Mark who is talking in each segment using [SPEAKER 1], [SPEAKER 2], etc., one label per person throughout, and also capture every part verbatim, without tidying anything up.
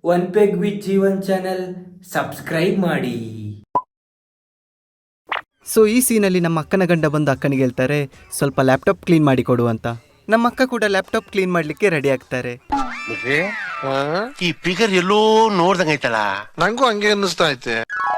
[SPEAKER 1] One peg with Jeevan channel subscribe ಮಾಡಿ.
[SPEAKER 2] So ಈ ಸೀನಲ್ಲಿ ನಮ್ಮ ಅಕ್ಕನ ಗಂಡ ಬಂದು ಅಕ್ಕನಿಗೆ ಹೇಳ್ತಾರೆ ಸ್ವಲ್ಪ ಲ್ಯಾಪ್ಟಾಪ್ ಕ್ಲೀನ್ ಮಾಡಿ ಕೊಡು ಅಂತ. ನಮ್ಮ ಅಕ್ಕ ಕೂಡ ಲ್ಯಾಪ್ಟಾಪ್ ಕ್ಲೀನ್ ಮಾಡ್ಲಿಕ್ಕೆ ರೆಡಿ ಆಗ್ತಾರೆ.
[SPEAKER 3] ಈ ಫಿಗರ್ ಎಲ್ಲೋ ನೋಡ್ದಂಗೈತಲ್ಲ,
[SPEAKER 4] ನಂಗೂ ಹಂಗೆ ಅನ್ನಿಸ್ತಾ ಐತೆ.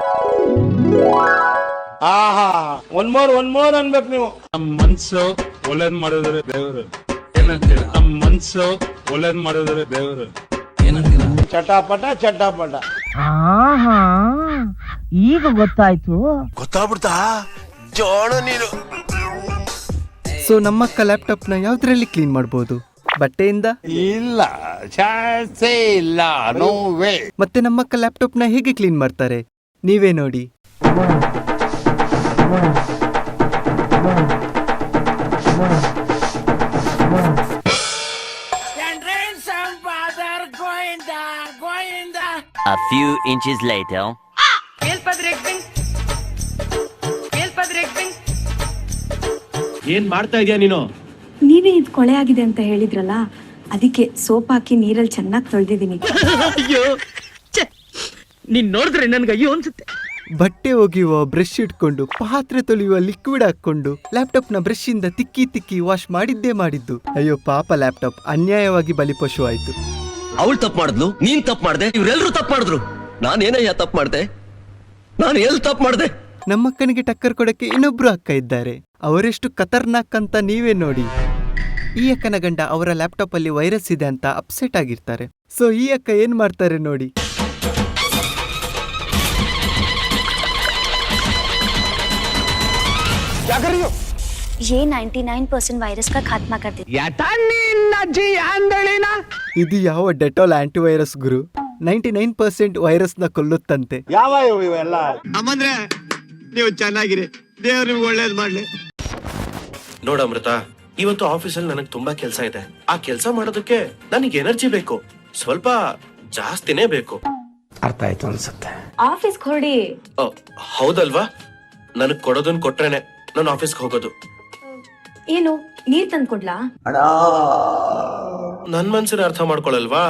[SPEAKER 5] ಆಹಾ ಒನ್ ಮೋರ್ ಒನ್ ಮೋರ್ ಅನ್ಬೇಕು ನೀವು.
[SPEAKER 6] ನಮ್ ಮನ್ಸು ಒಳ್ಳೇದ್ ಮಾಡಿದ್ರೆ ದೇವರು ಏನಂತೀರ? ನಮ್ ಮನ್ಸು ಒಳ್ಳೇದ್ ಮಾಡಿದ್ರೆ ದೇವರು ಏನಂತೀರ?
[SPEAKER 5] ಚಟಾಪಟ ಚಟಾಪಟ.
[SPEAKER 7] ಆಹಾ ಈಗ ಗೊತ್ತಾಯ್ತು.
[SPEAKER 3] ಗೊತ್ತಾಗ್ಬಿಡ್ತಾ ಜೋಣ ನೀನು.
[SPEAKER 2] ಸೊ ನಮ್ಮಕ್ಕ ಲ್ಯಾಪ್ಟಾಪ್ ನ ಯಾವ್ದ್ರಲ್ಲಿ ಕ್ಲೀನ್ ಮಾಡ್ಬೋದು? ಬಟ್ಟೆಯಿಂದ?
[SPEAKER 5] ಇಲ್ಲ, ಚಾನ್ಸೇ ಇಲ್ಲ, ನೋ ವೇ.
[SPEAKER 2] ಮತ್ತೆ ನಮ್ಮಕ್ಕ ಲ್ಯಾಪ್ಟಾಪ್ ನ ಹೇಗೆ ಕ್ಲೀನ್ ಮಾಡ್ತಾರೆ ನೀವೇ ನೋಡಿ.
[SPEAKER 8] A few inches later.
[SPEAKER 6] ಏನ್ ಮಾಡ್ತಾ ಇದೀಯ ನೀನು?
[SPEAKER 9] ನೀವೇ ಇದು ಕೊಳೆ ಆಗಿದೆ ಅಂತ ಹೇಳಿದ್ರಲ್ಲ, ಅದಕ್ಕೆ ಸೋಪ್ ಹಾಕಿ ನೀರಲ್ಲಿ ಚೆನ್ನಾಗಿ ತೊಳೆದಿದ್ದೀನಿ.
[SPEAKER 7] ಅಯ್ಯೋ ನೀನ್ ನೋಡಿದ್ರೆ ನನ್ಗೆ ಅಯ್ಯೋ ಅನ್ಸುತ್ತೆ.
[SPEAKER 2] ಬಟ್ಟೆ ಒಗೆಯುವ ಬ್ರಷ್ ಇಟ್ಕೊಂಡು ಪಾತ್ರೆ ತೊಳೆಯುವ ಲಿಕ್ವಿಡ್ ಹಾಕೊಂಡು ಲ್ಯಾಪ್ಟಾಪ್ ನ ಬ್ರಷ್ ಇಂದ ತಿಕ್ಕಿ ತಿಕ್ಕಿ ವಾಶ್ ಮಾಡಿದ್ದೇ ಮಾಡಿದ್ದು. ಅಯ್ಯೋ ಪಾಪ, ಲ್ಯಾಪ್ಟಾಪ್ ಅನ್ಯಾಯವಾಗಿ ಬಲಿಪಶು ಆಯ್ತು.
[SPEAKER 10] ಅವಳು ತಪ್ಪು ಮಾಡಿದ್ಲು, ನೀನ್ ತಪ್ಪು ಮಾಡ್ದೆ, ಇವ್ರೆಲ್ರೂ ತಪ್ಪು ಮಾಡಿದ್ರು. ನಾನೇನಯ್ಯ ತಪ್ಪು ಮಾಡ್ದೆ? ನಾನು ಎಲ್ಲಿ ತಪ್ಪು ಮಾಡ್ದೆ?
[SPEAKER 2] ನಮ್ಮಕ್ಕನಿಗೆ ಟಕ್ಕರ್ ಕೊಡಕ್ಕೆ ಇನ್ನೊಬ್ರು ಅಕ್ಕ ಇದ್ದಾರೆ. ಅವರೆಷ್ಟು ಖತರ್ನಾಕ್ ಅಂತ ನೀವೇ ನೋಡಿ. ಈ ಅಕ್ಕನ ಗಂಡ ಅವರ ಲ್ಯಾಪ್ಟಾಪ್ ಅಲ್ಲಿ ವೈರಸ್ ಇದೆ ಅಂತ ಅಪ್ಸೆಟ್ ಆಗಿರ್ತಾರೆ. ಸೊ ಈ ಅಕ್ಕ ಏನ್ ಮಾಡ್ತಾರೆ ನೋಡಿ.
[SPEAKER 11] ये निन्यानवे परसेंट वायरस का खात्मा कर देती है।
[SPEAKER 2] ಇದು ಯಾವ ಡೆಟಾಲ್ ಆಂಟಿವೈರಸ್ ಗುರು? ನೈಂಟಿ ನೈನ್ ಪರ್ಸೆಂಟ್ ವೈರಸ್ ನ ಕೊಲ್ಲುತ್ತಂತೆ.
[SPEAKER 5] ಯಾವ ಇವೆಲ್ಲ?
[SPEAKER 3] ಅಮ್ಮಂದ್ರೆ ನೀವು ಚೆನ್ನಾಗಿರಿ, ದೇವ್ರು ನಿಮ್ಗೆ ಒಳ್ಳೇದ್ ಮಾಡ್ಲಿ. ನೋಡ ಅಮೃತ, ಇವತ್ತು ಆಫೀಸಲ್ಲಿ ನನಗೆ ತುಂಬಾ ಕೆಲಸ ಇದೆ. ಆ ಕೆಲಸ ಮಾಡೋದಕ್ಕೆ ನನಗೆ ಎನರ್ಜಿ ಬೇಕು, ಸ್ವಲ್ಪ ಜಾಸ್ತಿನೇ ಬೇಕು.
[SPEAKER 5] ಅರ್ಥ ಆಯ್ತು ಅನ್ಸುತ್ತೆ.
[SPEAKER 9] ಆಫೀಸ್ ಹೊರಡಿ.
[SPEAKER 3] ಹೌದಲ್ವಾ? ನನಗ್ ಕೊಡೋದನ್ ಕೊಟ್ರೇನೆ ನಾನು ಆಫೀಸ್ಗೆ ಹೋಗೋದು.
[SPEAKER 9] ಏನು ನೀರ್ ತಂದ್ಕೊಡ್ಲಾ?
[SPEAKER 3] ನನ್ ಮನ್ಸಿನ ಅರ್ಥ ಮಾಡ್ಕೊಳಲ್ವಾ?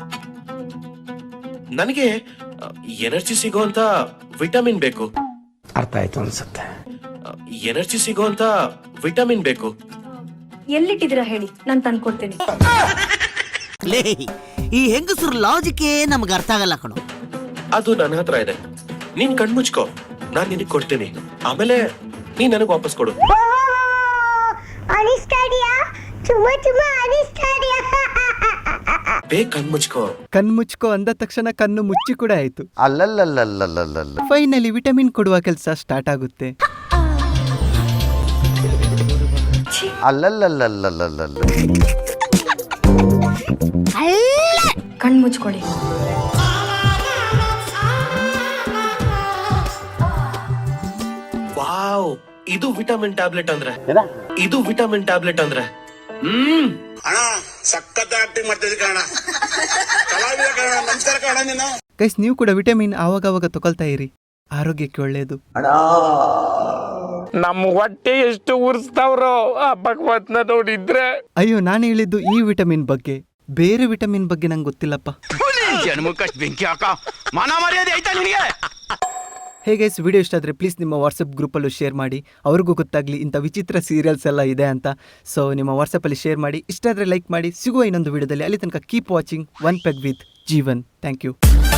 [SPEAKER 3] ನನಗೆ ಎನರ್ಜಿ ಸಿಗೋಂತ ವಿಟಮಿನ್ ಬೇಕು.
[SPEAKER 5] ಅರ್ಥ ಆಯ್ತು ಅನ್ಸುತ್ತೆ.
[SPEAKER 3] ಎನರ್ಜಿ ಸಿಗೋಂತ ವಿಟಮಿನ್ ಬೇಕು.
[SPEAKER 9] ಎಲ್ಲಿಟ್ಟಿದ್ದೀರಾ ಹೇಳಿ, ನಾನ್ ತಂದ್ಕೊಡ್ತೇನೆ.
[SPEAKER 7] ಲೇ, ಈ ಹೆಂಗಸರು ಲಾಜಿಕ್ ನಮ್ಗೆ ಅರ್ಥ ಆಗಲ್ಲ ಕಣೋ.
[SPEAKER 3] ಅದು ನನ್ನ ಹತ್ರ ಇದೆ, ನೀನ್ ಕಣ್ಮುಚ್ಕೋ, ನಾನ್ ನಿನಗ್ ಕೊಡ್ತೀನಿ. ಆಮೇಲೆ ನೀನ್ ನನಗ್ ವಾಪಸ್ ಕೊಡು. ಬೇಗ ಕಣ್ಮುಚ್ಕೋ.
[SPEAKER 2] ಕಣ್ಮುಚ್ಕೋ ಅಂದ ತಕ್ಷಣ ಕಣ್ಣು ಮುಚ್ಚಿ ಕೂಡ ಆಯ್ತು.
[SPEAKER 4] ಅಲ್ಲಲ್ಲಲ್ಲಲ್ಲಲ್ಲಲ್ಲ.
[SPEAKER 2] ಫೈನಲಿ ವಿಟಮಿನ್ ಕೊಡುವ ಕೆಲಸ ಸ್ಟಾರ್ಟ್ ಆಗುತ್ತೆ.
[SPEAKER 4] ಅಲ್ಲಲ್ಲಲ್ಲಲ್ಲಲ್ಲಲ್ಲ.
[SPEAKER 9] ಕಣ್ ಮುಚ್ಕೊಳ್ಳಿ.
[SPEAKER 3] ವಾವ್, ಇದು ವಿಟಮಿನ್ ಟ್ಯಾಬ್ಲೆಟ್ ಅಂದ್ರೆ, ಇದು ವಿಟಮಿನ್ ಟ್ಯಾಬ್ಲೆಟ್ ಅಂದ್ರೆ. ಹ್ಮ್
[SPEAKER 5] ಅಣ್ಣ ಸಖತ್ ಆಕ್ಟಿಂಗ್ ಮಾಡ್ತಿದ್ದೆ ಕಣ. ಕಲಾವಿದ ಕಣ, ನಮಸ್ಕಾರ ಕಣ ನೀನು.
[SPEAKER 2] ಗೈಸ್, ನೀವು ಕೂಡ ವಿಟಮಿನ್ ಆವಾಗವಾಗ ತಗೊಳ್ತಾ ಇರಿ, ಆರೋಗ್ಯಕ್ಕೆ ಒಳ್ಳೆಯದು.
[SPEAKER 6] ನಮ್ ಹೊಟ್ಟೆ ಎಷ್ಟು ಉರ್ಸ್ತಾವ್ರೋ ಆ ಭಗವತ್ನ ನೋಡಿದ್ರೆ.
[SPEAKER 2] ಅಯ್ಯೋ, ನಾನು ಹೇಳಿದ್ದು ಈ ವಿಟಮಿನ್ ಬಗ್ಗೆ, ಬೇರೆ ವಿಟಮಿನ್ ಬಗ್ಗೆ ನಂಗೆ ಗೊತ್ತಿಲ್ಲಪ್ಪ. ಹೇ ಗೈಸ್, ವಿಡಿಯೋ ಇಷ್ಟ ಆದರೆ ಪ್ಲೀಸ್ ನಿಮ್ಮ ವಾಟ್ಸಪ್ ಗ್ರೂಪಲ್ಲೂ ಶೇರ್ ಮಾಡಿ, ಅವ್ರಿಗೂ ಗೊತ್ತಾಗಲಿ ಇಂಥ ವಿಚಿತ್ರ ಸೀರಿಯಲ್ಸ್ ಎಲ್ಲ ಇದೆ ಅಂತ. ಸೊ ನಿಮ್ಮ ವಾಟ್ಸಪ್ಪಲ್ಲಿ ಶೇರ್ ಮಾಡಿ, ಇಷ್ಟ ಆದರೆ ಲೈಕ್ ಮಾಡಿ. ಸಿಗುವ ಇನ್ನೊಂದು ವಿಡಿಯೋದಲ್ಲಿ. ಅಲ್ಲಿ ತನಕ keep watching one peg with Jeevan. Thank you.